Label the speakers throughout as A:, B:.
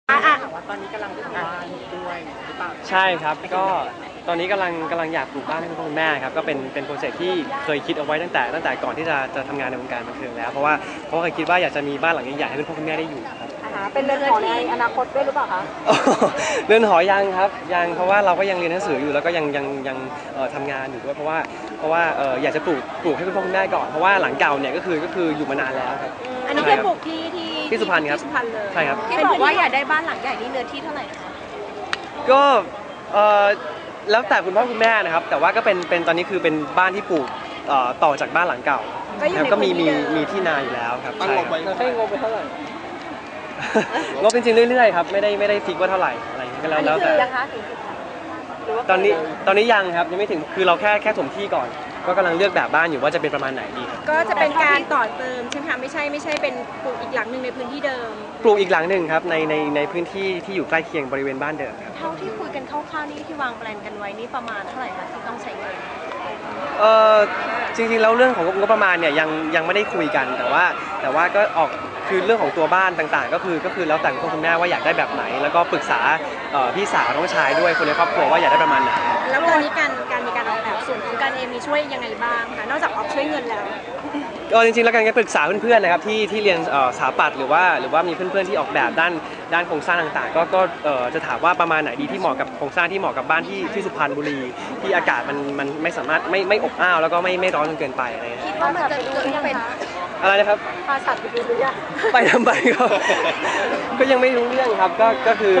A: ว่าตอนนี้กำลังทำบ้านด้วยหรือเปล่า
B: ใช่ครับก็ตอนนี้กำลังอยากปลูกบ้านให้คุณพ่อคุณแม่ครับก็เป็นโปรเจกต์ที่เคยคิดเอาไว้ตั้งแต่ก่อนที่จะทำงานในวงการบันเทิงแล้วเพราะว่าเคยคิดว่าอยากจะมีบ้านหลังใหญ่ๆให้คุณพ่อคุณแม่ได้อยู่ครับ
C: เป็นเรือนหอในอนาคตด้วยหรือเปล่าคะ
B: เรือนหอยังครับยังเพราะว่าเราก็ยังเรียนหนังสืออยู่แล้วก็ยังทำงานอยู่ด้วยเพราะว่าอยากจะปลูกให้คุณพ่อคุณแม่ก่อนเพราะว่าหลังเก่าเนี่ยก็คืออยู่มานานแล้วครับ
C: อันนี้คือปลูกที่
B: สุพรรณครับ
C: เลย
B: ใช่ครับ
C: ที่บอกว่าอยากได้บ้านหลังใหญ่นี่เนื้อที่เท่าไหร่คะ
B: ก็แล้วแต่คุณพ่อคุณแม่นะครับแต่ว่าก็เป็นตอนนี้คือเป็นบ้านที่ปลูกต่อจากบ้านหลังเก่าก็มีที่นาอยู่แล้วครับ
A: ตั้งงบไว้
B: ให้งบไปเท่าไหร่งบจริงๆเรื่อยๆครับไม่ได้ฟิกว่าเท่าไหร่อะไรก็แล้วแต่ตอนนี้ยังครับยังไม่ถึงคือเราแค่ถมที่ก่อนก็กำลังเลือกแบบบ้านอยู่ว่าจะเป็นประมาณไหนดี
C: ก็จะเป็นการต่อเติมใช่ไหมคะไม่ใช่เป็นปลูกอีกหลังหนึ่งในพื้นที่เดิม
B: ปลูกอีกหลังหนึ่งครับในพื้นที่ที่อยู่ใกล้เคียงบริเวณบ้านเดิมครับ
C: เท่าที่คุยกันคร่าวๆนี่ที่วางแผนกันไว้นี่ประมาณเท่าไหร่คะที่ต้องใช้เงิน
B: จริงๆแล้วเรื่องของงบประมาณเนี่ยยังไม่ได้คุยกันแต่ว่าก็ออกคือเรื่องของตัวบ้านต่างๆก็คือแล้วแต่คุณแม่ว่าอยากได้แบบไหนแล้วก็ปรึกษาพี่สาวน้องชายด้วยคนในครอบครัวว่าอยากได้ประมาณไหน
C: แล้วตอนนี้การมีการออกแบบส่วนของการเองมีช่วยยังไงบ้างคะนอกจากออกช่วยเงินแล้ว
B: จริงๆแล้วการปรึกษาเพื่อนๆนะครับที่เรียนสถาปัตย์หรือว่ามีเพื่อนๆที่ออกแบบด้านโครงสร้างต่างๆก็จะถามว่าประมาณไหนดีที่เหมาะกับโครงสร้างที่เหมาะกับบ้านที่สุพรรณบุรีที่อากาศมันไม่สามารถไม่อบอ้าวแล้วก็ไม่ร้อนจนเกินไปอะไร
C: คิดว่ามันจะเกิดเป็น
B: อะไรนะครับ
C: พาสัตว์ไปดูหรือยัง
B: ไปทำไมก็ยังไม่รู้เรื่องครับก็คือ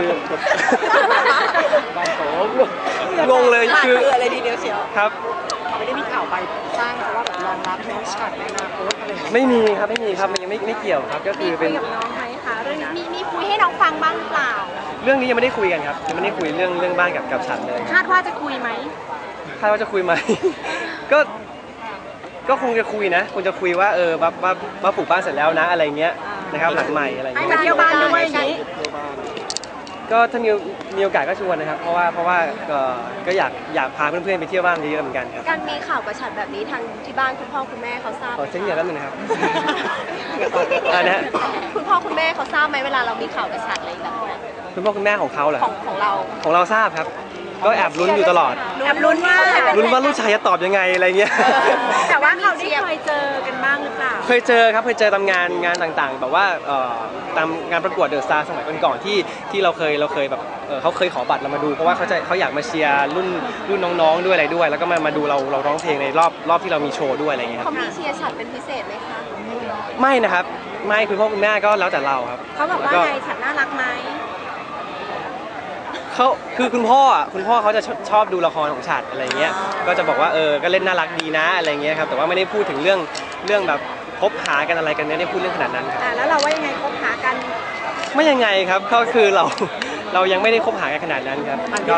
B: บ้านโสมงงเลยคือ
C: อะไรทีเดียวเชียว
B: ครับ
A: ไม่ได้มีข่าวไปสร้างเพราะว่าแบบรองรับน้องฉัดในอนาคตอะไร
B: ไม่มีครับมันยังไม่เกี่ยวครับก็คือเป็น
C: คุยกับน้องไหมคะเรื่องนี้มีคุยให้น้องฟังบ้างหรือเปล่า
B: เรื่องนี้ยังไม่ได้คุยกันครับยังไม่ได้คุยเรื่องบ้านกับฉันเลย
C: คาดว่าจะคุยไหม
B: คาดว่าจะคุยไหมก็คงจะคุยนะคงจะคุยว่าว่าปลูกบ้านเสร็จแล้วนะอะไรเงี้ยนะครับหลังใหม่อะไรเงี้ย
C: ไปเที่ยวบ้านด้วยอย่างนี้
B: ก็ถ้ามีโอกาสก็ชวนนะครับเพราะว่าก็อยากพาเพื่อนๆไปเที่ยวบ้านเยอะๆเหมือนกันครับ
C: การมีข่าวกระฉับแบบนี้ทางที่บ้านคุณพ่อคุณแม่เขาทราบ
B: เช่นเดียวกันนะครับ
C: คุณพ่อคุณแม่เขาทราบไหมเวลาเรามีข่าวกระฉับอะไรแบบนี้
B: คุณพ่อคุณแม่ของเขาเหรอ
C: ของ
B: เราทราบครับก็แอบลุ้นอยู่ตลอด
C: แอบลุ้น
B: ว่าลูกชายจะตอบยังไงอะไรเงี้ย
C: แต่ว่าเขาได้เคยเจอกันบ้างหรือเปล่า
B: เคยเจอครับเคยเจอตามงานต่างๆแบบว่าตามงานประกวดเดอะสตาร์สมัยก่อนที่เราเคยแบบเขาเคยขอบัตรเรามาดูเพราะว่าเขาอยากมาเชียร์รุ่นน้องๆด้วยอะไรด้วยแล้วก็มาดูเราร้องเพลงในรอบที่เรามีโชว์ด้วยอะไรเงี้ย
C: เขามีเชียร์ฉัดเป็นพิเศษไหมคะ
B: ไม่นะครับไม่คุณพ่อคุณแม่ก็แล้วแต่เราครับ
C: เขาบอกว่าไงฉัดน่ารักไหม
B: คือคุณพ่อเขาจะชอบดูละครของฉัดอะไรเงี้ยก็จะบอกว่าก็เล่นน่ารักดีนะอะไรเงี้ยครับแต่ว่าไม่ได้พูดถึงเรื่องแบบคบหากันอะไรกันไม่ได้พูดเรื่องขนาดนั้นครับ
C: แล้วเราว่ายังไงคบหากัน
B: ไม่ยังไงครับก็คือเรายังไม่ได้คบหากันขนาดนั้นครับก็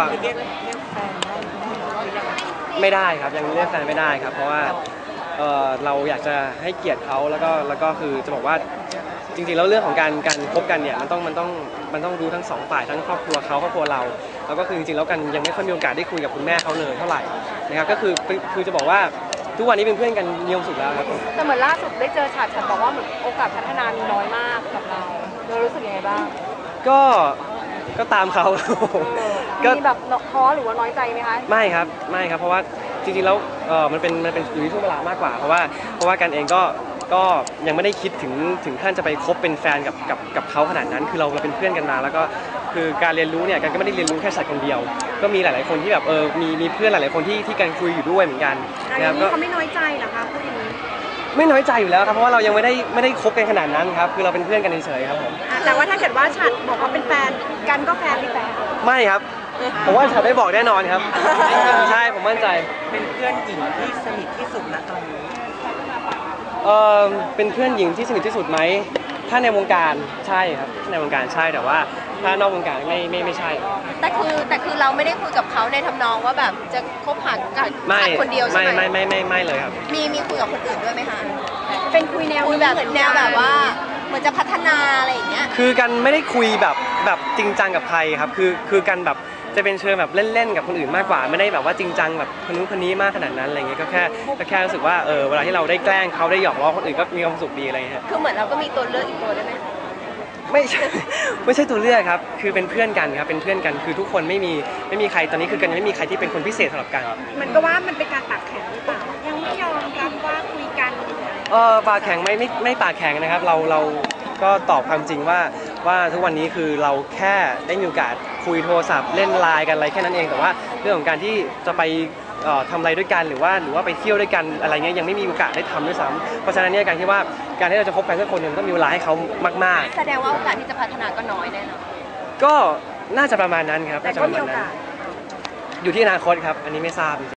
B: ไม่ได้ครับยังเรียกแฟนไม่ได้ครับเพราะว่าเราอยากจะให้เกียรติเขาแล้วก็คือจะบอกว่าจริงๆแล้วเรื่องของการคบกันเนี่ยมันต้องดูทั้งสองฝ่ายทั้งครอบครัวเขาครอบครัวเราแล้วก็คือจริงๆแล้วกันยังไม่ค่อยมีโอกาสได้คุยกับคุณแม่เขาเลยเท่าไหร่นะครับก็คือจะบอกว่าทุกวันนี้เป็นเพื่อนกันมีความสุขแล้วครับ
C: แต่เหมือนล่าสุดได้เจอฉัดบอกว่าเหมือนโอกาสพัฒนามีน้อยมากกับเรารู้สึกยังไงบ้าง
B: ก็ตามเขา
C: มีแบบท้อหรือว่าน้อยใจไหมคะ
B: ไม่ครับเพราะว่าจริงๆแล้วมันเป็นอยู่ที่ช่วงเวลามากกว่าเพราะว่ากันเองก็ยังไม่ได้คิดถึงขั้นจะไปคบเป็นแฟนกับเขาขนาดนั้นคือเราเป็นเพื่อนกันมาแล้วก็คือการเรียนรู้เนี่ยกันก็ไม่ได้เรียนรู้แค่ฉัดคนเดียวก็มีหลายๆคนที่แบบมีเพื่อนหลายๆคนที่กันคุยอยู่ด้วยเหมือนกัน
C: นะครับก็เขาไม่น้อยใจเหรอคะพูดอย่างนี้
B: ไม่น้อยใจอยู่แล้วครับเพราะว่าเรายังไม่ได้คบกันขนาดนั้นครับคือเราเป็นเพื่อนกันเฉยๆครับผม
C: แต่ว่าถ้าเกิดว่าฉัดบอกว่าเป็นแฟนกันก็แฟนหรือแฟน
B: ไม่ครับผมว่าฉัดได้บอกแน่นอนครับใช่ผมมั่นใจ
A: เป็นเพื่อนหญิงที่สนิทที่สุดณตอนนี้
B: เป็นเพื่อนหญิงที่สนิทที่สุดไหมถ้าในวงการใช่ครับในวงการใช่แต่ว่าถ้านอกวงการไม่ใช่
C: แต่คือเราไม่ได้คุยกับเขาในทำนองว่าแบบจะคบหากับคนเดียวใช่ไหม
B: ไม่เลยครับ
C: มีคุยกับคนอื่นด้วยไหมคะเป็นคุยแนวแบบว่าเหมือนจะพัฒนาอะไรอย่างเงี้ย
B: คือกันไม่ได้คุยแบบจริงจังกับใครครับคือกันแบบจะเป็นเชิงแบบเล่นๆกับคนอื่นมากกว่าไม่ได้แบบว่าจริงจังแบบคนนู้นคนนี้มากขนาดนั้นอะไรเงี้ยก็แค่รู้สึกว่าเวลาที่เราได้แกล้งเขาได้หยอกล้อคนอื่นก็มีความสุขดีอะไรเงี้ย
C: คือเหมือนเราก็มีตัวเลือกอีกตัวได้ไหม
B: ไม่ใช่ ไม่ใช่ตัวเลือกครับคือเป็นเพื่อนกันครับเป็นเพื่อนกันคือทุกคนไม่มีใครตอนนี้คือกันยังไม่มีใครที่เป็นคนพิเศษสำหรับกัน
A: มันก็ว่ามันเป็นการตักแข็งหรือเปล่ายังไม่ยอมรับว่าคุยกัน
B: ปากแข็งไม่ปากแข็งนะครับเราก็ตอบความจริงว่าทุกวันนี้คือเราแค่ได้มีโอกาสคุยโทรศัพท์เล่นไลน์กันอะไรแค่นั้นเองแต่ว่าเรื่องของการที่จะไปทำอะไรด้วยกันหรือว่าไปเที่ยวด้วยกันอะไรเงี้ยยังไม่มีโอกาสได้ทำด้วยซ้ำเพราะฉะนั้นเนี่ยการที่ว่าการที่เราจะคบกันสักคนหนึ่งต้องมีเวลาให้เขามาก
C: แสดงว่าโอกาสที่จะพัฒนาก็น้อยแน่นอน
B: ๆก็น่าจะประมาณนั้นครับ
A: แต่
B: น่าจะ
A: ก็
B: ประ
A: มี
B: มาณ
A: โอ
B: นั้น
A: กาส
B: อยู่ที่อนาคตครับอันนี้ไม่ทราบ